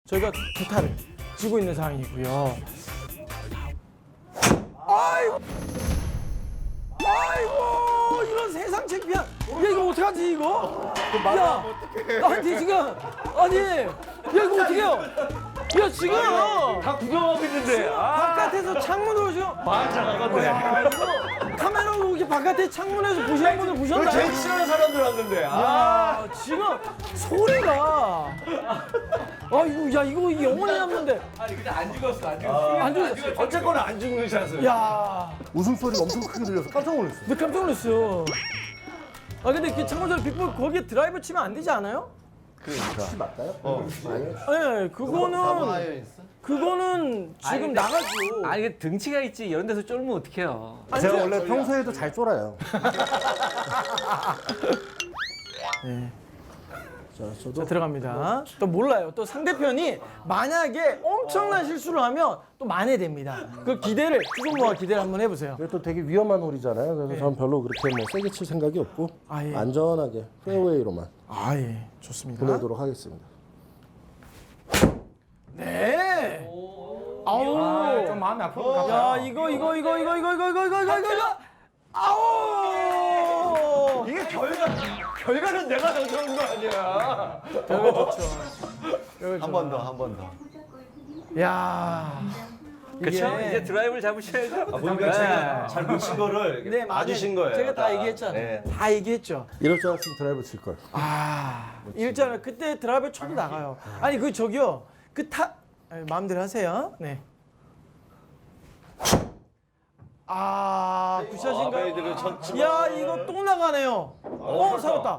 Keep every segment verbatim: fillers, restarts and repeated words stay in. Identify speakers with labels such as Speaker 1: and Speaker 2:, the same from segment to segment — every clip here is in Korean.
Speaker 1: 저희가 두 타를 쥐고 있는 상황이고요. 아이고, 아이고, 이런 세상 창피한. 야, 이거 어떡하지 이거? 야, 나한테 지금 아니, 야 이거 어떡해요? 야 지금
Speaker 2: 다 구경하고 있는데. 아,
Speaker 1: 바깥에서 창문으로 지금
Speaker 2: 맞아, 나갔네.
Speaker 1: 야, 이거 카메라로 이렇게 바깥에 창문에서 보시는 분들 보셨나요?
Speaker 2: 제일 싫어하는 사람들 왔는데. 아,
Speaker 1: 야, 지금 소리가 아 이거 야 이거 영원히 남는데
Speaker 2: 아니 근데 안 죽었어, 안 죽었어.
Speaker 1: 안 죽었어.
Speaker 2: 어쨌거나 안 죽는 샷을.
Speaker 1: 야,
Speaker 3: 웃음소리가 엄청 크게 들려서 깜짝 놀랐어요.
Speaker 1: 나 깜짝 놀랐어. 아 근데 그 참고적으로 빅볼 거기에 드라이브 치면 안 되지 않아요?
Speaker 3: 혹시 맞나요?
Speaker 2: 어.
Speaker 1: 네, 그거는 그거는 지금 나가죠.
Speaker 4: 아니 이게 등치가 있지 이런 데서 쫄면 어떡해요.
Speaker 1: 아니,
Speaker 3: 제가
Speaker 1: 저-
Speaker 3: 원래 평소에도 잘 쫄아요.
Speaker 1: 네.
Speaker 3: 자, 저도
Speaker 1: 자, 들어갑니다. 또 몰라요. 또 상대편이 만약에 엄청난 실수를 하면 또 만회됩니다. 그 기대를 추성모가 기대를 한번 해보세요.
Speaker 3: 이게 또 되게 위험한 홀이잖아요. 그래서 전 별로 그렇게 뭐 세게 칠 생각이 없고
Speaker 1: 아, 예.
Speaker 3: 안전하게 페어웨이로만
Speaker 1: 아 예, 좋습니다.
Speaker 3: 보내도록 하겠습니다.
Speaker 1: 네. 아우.
Speaker 4: 좀 마음이 아프고
Speaker 1: 야 이거 이거 이거 이거 이거 이거 이거 이거 이거 이거 이거. 아우.
Speaker 2: 이게 결과, 결과는 내가 정정한 거 아니야.
Speaker 1: 결과 좋죠.
Speaker 2: 한 번 더, 한 번 더.
Speaker 1: 야.
Speaker 4: 그렇죠?
Speaker 1: 이게-
Speaker 4: 이제 드라이브를 잡으셔야죠.
Speaker 2: 아, 보니까 제가 잘 못 친 거를
Speaker 1: 네, 맞아요.
Speaker 2: 봐주신 거예요.
Speaker 1: 제가 다 얘기했잖아요.
Speaker 2: 네.
Speaker 1: 다 얘기했죠.
Speaker 3: 이럴 줄 알았으면 드라이브 칠 걸.
Speaker 1: 아, 일단은 그때 드라이브 쳐도 나가요. 아니 그 저기요, 그 타 마음대로 하세요. 네. 아,
Speaker 2: 아,
Speaker 1: 굿샷인가요?
Speaker 2: 베이드를 쳤지만.
Speaker 1: 야, 이거 또 나가네요. 어, 살았다.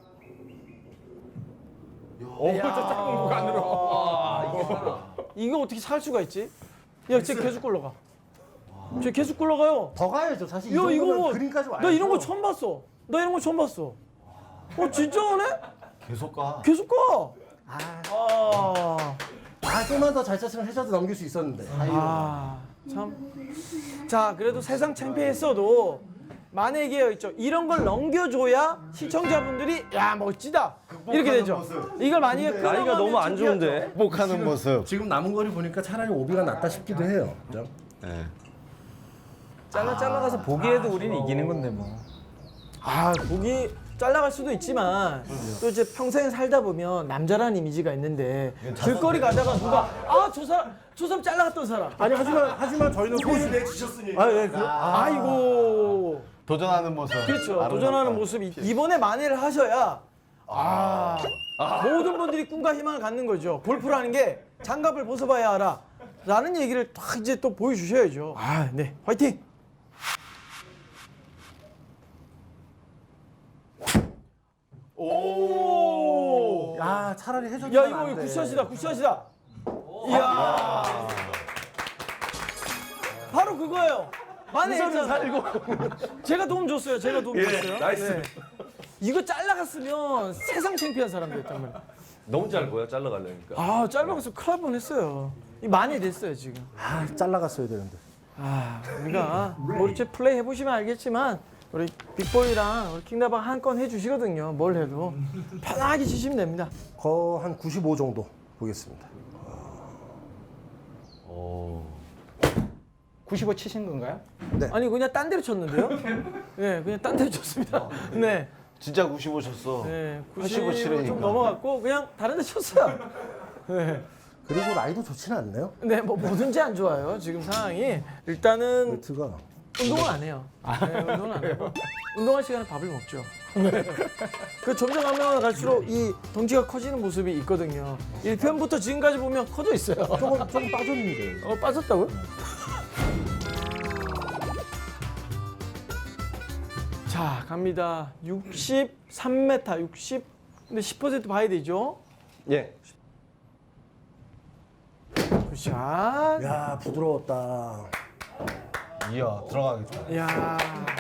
Speaker 2: 어, 저 작은 공간으로.
Speaker 1: 이거 어떻게 살 수가 있지? 야, 쟤 계속 굴러가. 쟤 계속 굴러가요.
Speaker 3: 더 가야죠. 사실 이
Speaker 1: 야, 이거
Speaker 3: 정도면
Speaker 1: 뭐?
Speaker 3: 그린까지 와야죠.
Speaker 1: 나 이런 거 처음 봤어. 나 이런 거 처음 봤어. 어, 진짜 오네?
Speaker 2: 계속 가.
Speaker 1: 계속 가.
Speaker 3: 아,
Speaker 1: 아.
Speaker 3: 아 좀만 더 잘 쳤으면 해저드 넘길 수 있었는데.
Speaker 1: 아, 참. 자, 그래도 세상 창피했어도 만약에 있죠. 이런 걸 넘겨줘야 시청자분들이 야 멋지다 이렇게 되죠. 이걸 만약에
Speaker 2: 나이가 너무 안 좋은데. 복하는 모습.
Speaker 3: 지금 남은 거리 보니까 차라리 오비가 낫다 싶기도 해요. 그죠?
Speaker 2: 네.
Speaker 4: 잘라 잘라가서 보기에도 우리는 이기는 건데 뭐.
Speaker 1: 아 보기 잘나갈 수도 있지만 또 이제 평생 살다 보면 남자라는 이미지가 있는데 길거리 가다가 누가 아 저 사람 저 사람 잘나갔던 사람
Speaker 3: 아니 하지만 하지만 저희는 소수
Speaker 2: 내주셨으니.
Speaker 3: 아, 예, 그,
Speaker 1: 아, 아이고
Speaker 2: 도전하는 모습.
Speaker 1: 그렇죠
Speaker 2: 아름답다.
Speaker 1: 도전하는 모습이 이번에 만회를 하셔야 아, 모든 분들이 꿈과 희망을 갖는 거죠. 골프라는 게 장갑을 벗어봐야 알아 라는 얘기를 딱 이제 또 보여주셔야죠. 아, 네 화이팅. 오.
Speaker 3: 야 차라리 해저드.
Speaker 1: 야 이거 굿샷이다 굿샷이다. 이야. 바로 그거예요. 만회했잖아. 제가 도움 줬어요. 제가 도움
Speaker 2: 예,
Speaker 1: 줬어요.
Speaker 2: 나이스.
Speaker 1: 이거 잘라갔으면 세상 창피한 사람이었단 말이야.
Speaker 2: 너무 짧고요, 잘라가려니까.
Speaker 1: 아 잘라가서 큰일 날 뻔했어요. 이 만회됐어요 지금.
Speaker 3: 아 잘라갔어야 되는데.
Speaker 1: 아 우리가 뭐 이렇게 플레이 해보시면 알겠지만 우리 빅보이랑 우리 킹다방 한 건 해주시거든요. 뭘 해도 편하게 치시면 됩니다.
Speaker 3: 거 한 구십오 정도 보겠습니다.
Speaker 2: 오.
Speaker 4: 구십오 치신 건가요?
Speaker 1: 아니 그냥 딴 데로 쳤는데요? 네, 그냥 딴 데로 쳤습니다. 네,
Speaker 2: 진짜 구십오 쳤어.
Speaker 1: 네,
Speaker 2: 팔십오
Speaker 1: 구십오
Speaker 2: 치려니까.
Speaker 1: 좀 넘어갔고 그냥 다른 데 쳤어요. 네,
Speaker 3: 그리고 라이도 좋지는 않네요.
Speaker 1: 네, 뭐 뭐든지 안 좋아요. 지금 상황이 일단은
Speaker 3: 매트가.
Speaker 1: 운동을 안 해요. 네, 운동을 안 하고 운동할 시간에 밥을 먹죠. 네. 그 점점 가면 갈수록 이 덩치가 커지는 모습이 있거든요. 일 편부터 지금까지 보면 커져 있어요.
Speaker 3: 조금 조금 빠졌는데.
Speaker 1: 어 빠졌다고요? 자 갑니다. 육십삼 미터 육십 근데 십 퍼센트 봐야 되죠.
Speaker 2: 예.
Speaker 1: 굿샷.
Speaker 3: 야 부드러웠다.
Speaker 2: 이야, 들어가겠다.
Speaker 1: 야.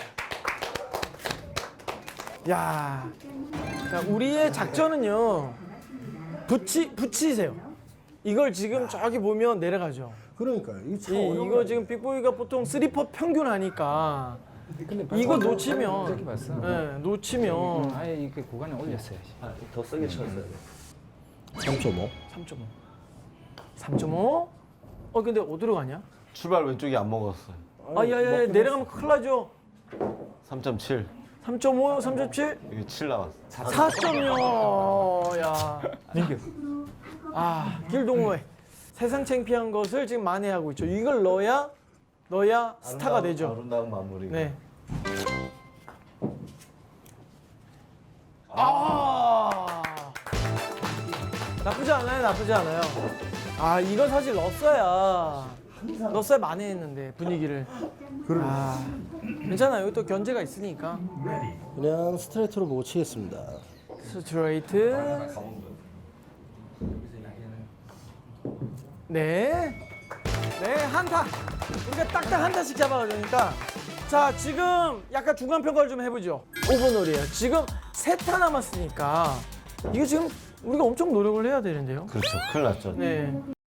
Speaker 1: 야. 자, 우리의 작전은요. 붙이 붙이세요. 이걸 지금 저기 보면 내려가죠.
Speaker 3: 그러니까 이 차
Speaker 1: 이,
Speaker 3: 어려운
Speaker 1: 이거
Speaker 3: 거
Speaker 1: 지금 빅보이가 보통 쓰리 퍼 평균 하니까 이거 놓치면
Speaker 4: 저기 봤어.
Speaker 1: 네, 놓치면
Speaker 4: 아예 이렇게 구간에 올렸어야지.
Speaker 2: 더 세게 쳤어야 돼.
Speaker 3: 삼 점 오.
Speaker 1: 삼 점 오. 삼 점 오. 어 근데 어디로 가냐?
Speaker 2: 출발 왼쪽이 안 먹었어요.
Speaker 1: 아 야야야 내려가면 큰일 나죠.
Speaker 2: 삼 점 칠.
Speaker 1: 삼 점 오, 삼 점 칠,
Speaker 2: 이게 칠 나왔어.
Speaker 1: 사 점 영. 야.
Speaker 4: 민규.
Speaker 1: 아 길동호회 세상 창피한 것을 지금 만회하고 있죠. 이걸 넣어야 넣어야 스타가
Speaker 2: 아름다운-
Speaker 1: 되죠.
Speaker 2: 아름다운 마무리.
Speaker 1: 네. 아 나쁘지 않아요, 나쁘지 않아요. 아 이거 사실 넣었어야 넣었어야 만회했는데 분위기를. 아 괜찮아요. 여기 또 견제가 있으니까.
Speaker 3: 그냥 스트레이트로 보고 치겠습니다.
Speaker 1: 스트레이트. 네. 네, 한타. 우리가 딱딱 한타씩 잡아가니까. 자, 지금 약간 중간 평가를 좀 해보죠. 오 분 홀이에요. 지금 세 타 남았으니까. 이거 지금 우리가 엄청 노력을 해야 되는데요.
Speaker 2: 그렇죠. 큰일 났죠.
Speaker 1: 네.